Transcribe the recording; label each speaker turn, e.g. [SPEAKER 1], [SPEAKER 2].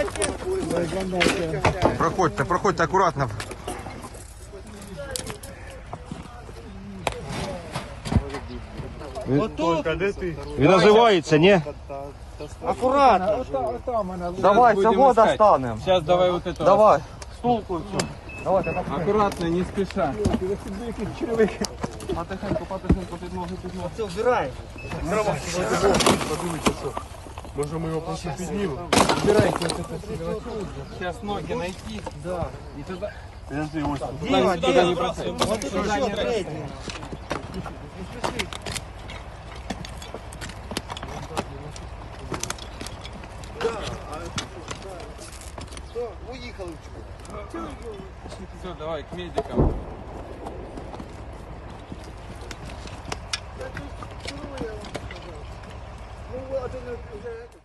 [SPEAKER 1] Проходьте, проходьте акуратно. Він озивається, ні?
[SPEAKER 2] Аккуратно.
[SPEAKER 1] Давай, цього достанемо.
[SPEAKER 3] Сейчас давай вот это.
[SPEAKER 1] Давай, стулку цю.
[SPEAKER 3] Аккуратно, не спеша. Потихеньку, потихеньку, під ноги, під ноги.
[SPEAKER 2] Все, убирай.
[SPEAKER 4] Може ми його просто піднімемо?
[SPEAKER 3] Убирайте вот это все. Сейчас ноги найти. Да. И тогда...
[SPEAKER 4] Подожди, ось тут.
[SPEAKER 2] Дима,
[SPEAKER 3] Сюда не бросай.
[SPEAKER 2] Вот тут
[SPEAKER 3] Сюда
[SPEAKER 2] еще
[SPEAKER 3] не бросай.
[SPEAKER 2] третий. Уїхали.
[SPEAKER 3] Все, давай к медикам.
[SPEAKER 2] Ну, вот,